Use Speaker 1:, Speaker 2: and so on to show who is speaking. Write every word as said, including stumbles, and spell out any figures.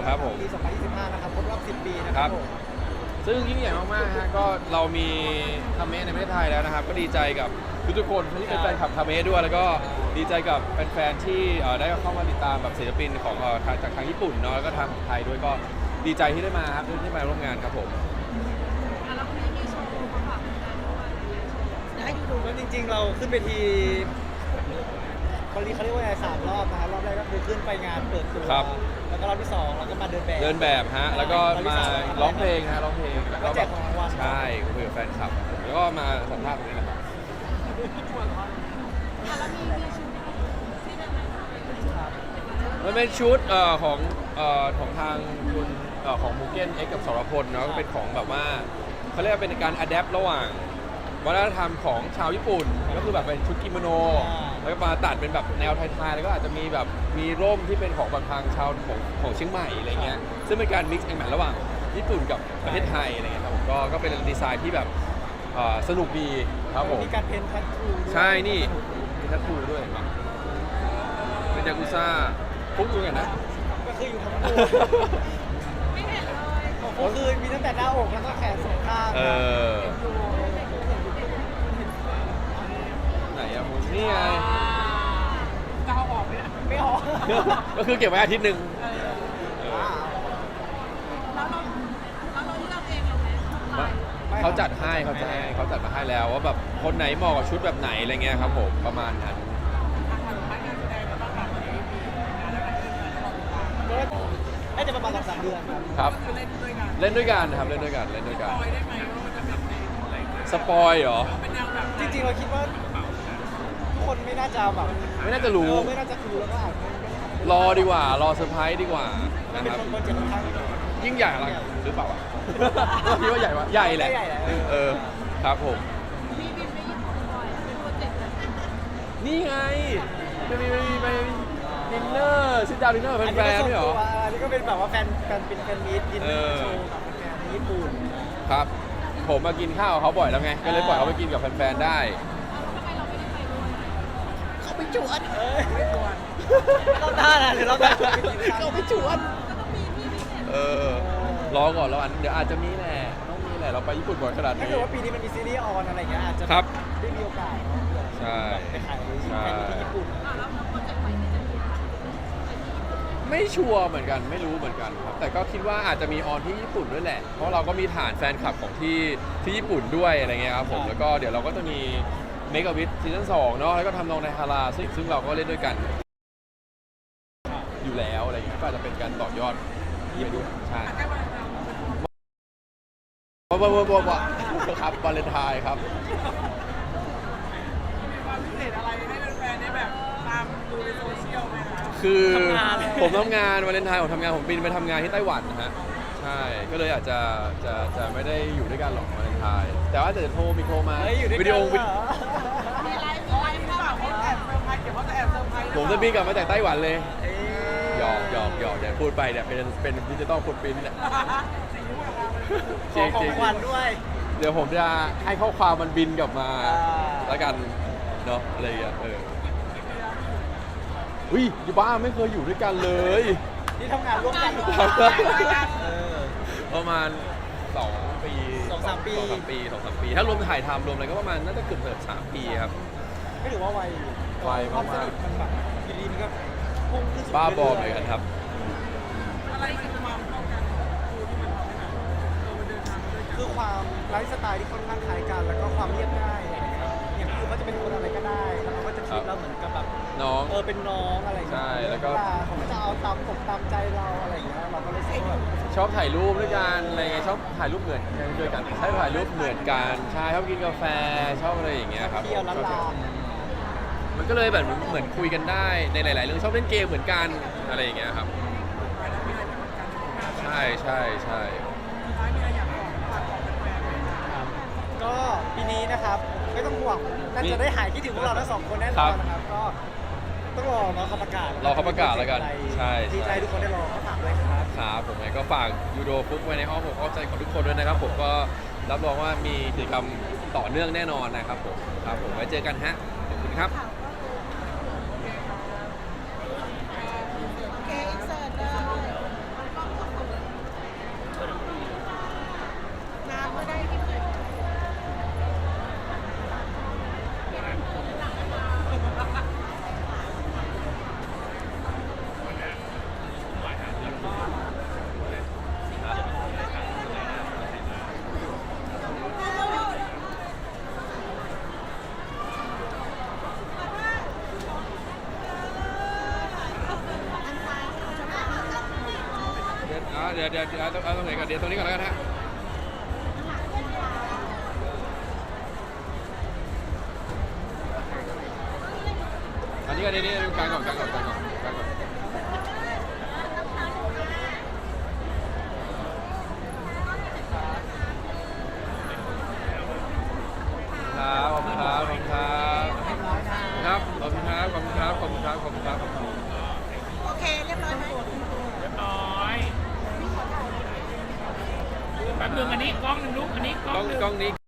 Speaker 1: ครับผม
Speaker 2: ปีสองพันยี่สิบห้านะครับครบรอบสิบปีนะครับผม
Speaker 1: ซึ่งยิ่งใหญ่มากๆฮะก็เรามีคาเมะในประเทศไทยแล้วนะครับก็ดีใจกับทุกๆคนที่เป็นแฟนคลับคาเมะด้วยแล้วก็ดีใจกับแฟนๆที่ได้เข้ามาติดตามแบบศิลปินของทางจากทางญี่ปุ่นเนาะแล้วก็ทางไทยด้วยก็ดีใจที่ได้มาครับที่มาร่วมงานครับผม
Speaker 3: แล้ววันนี้มีโชว์มาฝากแฟนด้วยอยากให้ดู
Speaker 2: แล้วจริงๆเราขึ้นไปทีวันนี้เขาเรียกว่าอะไรสามรอบนะครับรอบแรกก็คือขึ้นไปงานเปิดตัวแล้วก็รอบที่สองเราก็มาเดินแบบ
Speaker 1: เดินแบบฮะแล้วก็มาร้องเพลงฮะร้องเพลง
Speaker 2: แล้วก็แจกของรางวัล
Speaker 1: ใช่คุยกับแฟนคลับแล้วก็มาสัมภาษณ์ตรงนี้นะครับ
Speaker 3: แล้วมีมีชุดที่เป็นอะไรคะ
Speaker 1: มันเป็นชุดของของทางคุณของมูเก้นเอ็กกับสรพลเนาะก็เป็นของแบบว่าเขาเรียกว่าเป็นการอัดแอประหว่างวัฒนธรรมของชาวญี่ปุ่นก็คือแบบเป็นชุดกิโมโนแล้วก็มาตัดเป็นแบบแนวไทยๆแล้วก็อาจจะมีแบบมีร่มที่เป็นของบางทางชาวของของเชียงใหม่อะไรเงี้ยซึ่งเป็นการมิกซ์แอนด์แมทระหว่างญี่ปุ่นกับประเทศไทยอะไรเงี้ยครับผมก็ก็เป็นดีไซน์ที่แบบสนุกดีครับผม
Speaker 2: มีการเพ้นทัตทู
Speaker 1: ใช่นี่มีทัตทูด้วยเป็นยากุซ่าฟุกอยู่ไงนะ
Speaker 2: ก็คืออยู่ทั้งตัว
Speaker 3: ไม่เห็นเลย
Speaker 2: ก็คือมีตั้งแต่หน้าอกแล้วก็แขนสองข้าง
Speaker 1: เออไหนอะมูนี่ไง
Speaker 3: จะเอาออกไหมนะ
Speaker 2: ไม่ออก
Speaker 1: ก็คือเก็บไว้อาทิตย์หนึ่ง
Speaker 3: แล้วเราแล้วเราเลือกเองเราไหม
Speaker 1: เขาจัดให้เขาจัดให้เขาจัดมาให้แล้วว่าแบบคนไหนเหมาะกับชุดแบบไหนอะไรเงี้ยครับผมประมาณนั้น
Speaker 2: น่าจะประมาณสองสามเดือน
Speaker 1: ครับเล่นด้วยกันครับเล่นด้วยกันเล่นด้วยกันสปอยเหรอ
Speaker 2: จริงๆเราคิดว่าทุกคนไม่น่าจะแบบ
Speaker 1: ไม่น่าจะรู้
Speaker 2: ไม่น่าจะรู้แล้วก็อาจจะ
Speaker 1: รอดีกว่ารอเซอร์ไพรส์ดีกว่านะครับยิ่งใหญ่อะไรหรือเปล่าคิดว่าใหญ่วะใหญ่แหละเออครับผม
Speaker 3: มีบินไปญี่ปุ่นบ่อยเป็นโปรเจกต์
Speaker 1: นี่ไงจะมีไปดินเนอร์ซิดดาวดินเนอร์แฟนๆไม่หรอ
Speaker 2: อันนี้ก็เป็นแบบว่าแฟนแฟนเป็นแฟนมีตดินเนอร์โชว์กับแฟนญี่ปุ่น
Speaker 1: ครับผมมากินข้าวเขาบ่อยแล้วไงก็เลยปล่อยเขาไปกินกับแฟนๆได้
Speaker 3: เขาไปจวด
Speaker 2: ไม่จวดเราท่านะเดี๋ยวเรา
Speaker 1: เขาไปจวดเออรอก่อนแล้วอันเดี๋ยวอาจจะมีแหละต้องมีแหละเราไปญี่ปุ่นบ่อยขนาดนี้
Speaker 2: ถ้าเกิดว่าปีนี้มันมีซีรีส์ออนอะไรอย่างเงี้ยอาจจะได้มีโอกาส
Speaker 1: ใช่
Speaker 2: ไปถ่ายที่ญี่ปุ่น
Speaker 3: แล้วโปรเจกต์ใหม่ที่จะมี
Speaker 1: ไม่ชัวร์เหมือนกันไม่รู้เหมือนกันครับแต่ก็คิดว่าอาจจะมีออนที่ญี่ปุ่นด้วยแหละเพราะเราก็มีฐานแฟนคลับของที่ที่ญี่ปุ่นด้วยอะไรเงี้ยครับผมแล้วก็เดี๋ยวเราก็จะมีเมกะวิทซีซั่นสองเนาะแล้วก็ทำนองในฮาราซึ่งซึ่งเราก็เล่นด้วยกันอยู่แล้วอะไรเงี้ยก็อาจจะเป็นการต่อยอดไปด้วยใช่ว้าวว้าวว้าวครับวาเลนไทน์ครับ
Speaker 3: มีความพิเศษอะไรให้แฟนๆได้แบบตามดูในโซเชียลไหมคะ
Speaker 1: คือผมทำงานวาเลนไทน์ผมทำงานผมบินไปทำงานที่ไต้หวันนะฮะใช่ก็เลยอาจจะจะจะไม่ได้อยู่ด้วยกันหรอกวาเลนไทน์แต่ว่าจะโทรมีโทรมาวิดีโอ
Speaker 3: มีอะไรมีอะไรหรือเปล่าเขาแอบเซอร์ไพรส์เดี๋ยวเขาจะแอบเซอร์ไพรส์
Speaker 1: ผมจะบินกลับมาจากไต้หวันเลยหยอกหยอกหยอกเดี๋ยวพูดไปเนี่ยเป็นเป็นดิจิตอลฟุตปรินท์เนี่ย
Speaker 2: ขอของวันด้วย
Speaker 1: เดี๋ยวผมจะให้ข้อความมันบินกลับมาแล้วกันเนาะอะไรอย่างเงี้ยเอออุ้ยอยู่บ้านไม่เคยอยู่ด้วยกันเลย
Speaker 2: ที่ทำงานร่วมกัน
Speaker 1: ประมาณสองปี
Speaker 2: สองสามปี
Speaker 1: สองสามปีสองสามปีถ้ารวมถ่ายทำรวมอะไรก็ประมาณน่าจะเกือบเกือบสามปีครับ
Speaker 2: ไม่ถือว่าไว
Speaker 1: ไวมาก
Speaker 2: ๆมันแบบทีนี้มันก็พุ่งขึ้น
Speaker 1: บ้าบอเหมือนกันครับ
Speaker 3: อะไรคือความเข้ากันคือที่มันทำให้แบบเราเดินทางด้วยกัน
Speaker 2: คือความไลฟ์สไตล์ที่ค่อนข้างคล้ายกันแล้วก็ความเรียบง่ายอย่างพี่เขาจะเป็นคนอะไรก็ได้แล้วเขาก็จะคิดเราเหมือนกับแบบ
Speaker 1: น้อง
Speaker 2: เออเป็นน้องอะไรอย่างเงี้ย
Speaker 1: ใช่แล้วก็
Speaker 2: เขาก็จะเอาตามอกตามใจเราอะไรอย่างเงี้ยเราก็เลยชอบ
Speaker 1: ชอบถ่ายรูปด้วยกันอะไรเงี้ยชอบถ่ายรูปเหมือนกันด้วยกันใช่ถ่ายรูปเหมือนกันใช่ชอบกินกาแฟชอบอะไรอย่างเงี้ยครับ
Speaker 2: เที่ยวล้านลา
Speaker 1: มันก็เลยแบบเหมือนคุยกันได้ในหลายๆเรื่องชอบเล่นเกมเหมือนกันอะไรอย่างเงี้ยครับใช่ใช่ใช่
Speaker 2: ก็ปีนี้นะครับไม่ต้องห่วงน่าจะได้หายคิดถึงพวกเราทั้งสองคนแน่นอนนะครับก็ต้องรอเนาะเขาประกาศ
Speaker 1: รอเขาประกาศแล้วกันใช่
Speaker 2: ดีใจทุกคนได้รอเขาฝากเลยครับ
Speaker 1: ครับผมก็ฝากยูโดฟุกไว้ในอ้อมอกอ้อมใจของทุกคนด้วยนะครับผมก็รับรองว่ามีกิจกรรมต่อเนื่องแน่นอนนะครับผมครับผมไว้เจอกันฮะขอบคุณครับ
Speaker 3: โอเคอินเสิร์ตเลย
Speaker 1: อ่าเดี๋ยวเดี๋ยวเดี๋ยวเอาเอาตรงไหนก่อนเดี๋ยวตรงนี้ก่อนแล้วกันฮะอันนี้ก็ดีนี่ดูกลางก่อนกลางก่อนกลางก่อนกลางก่อนครับขอบคุณครับขอบคุณครับครับขอบคุณครับขอบคุณครับขอบคุณครับขอบคุณครับ
Speaker 4: โอเค เรียบร้อยไหม
Speaker 3: เรียบร้อยแป๊บนึงอันนี้กล้องหนึ่งลูกอันนี้กล้
Speaker 1: กล้
Speaker 3: อ
Speaker 1: อง ง
Speaker 3: หนึ่ง
Speaker 1: กล้องนี้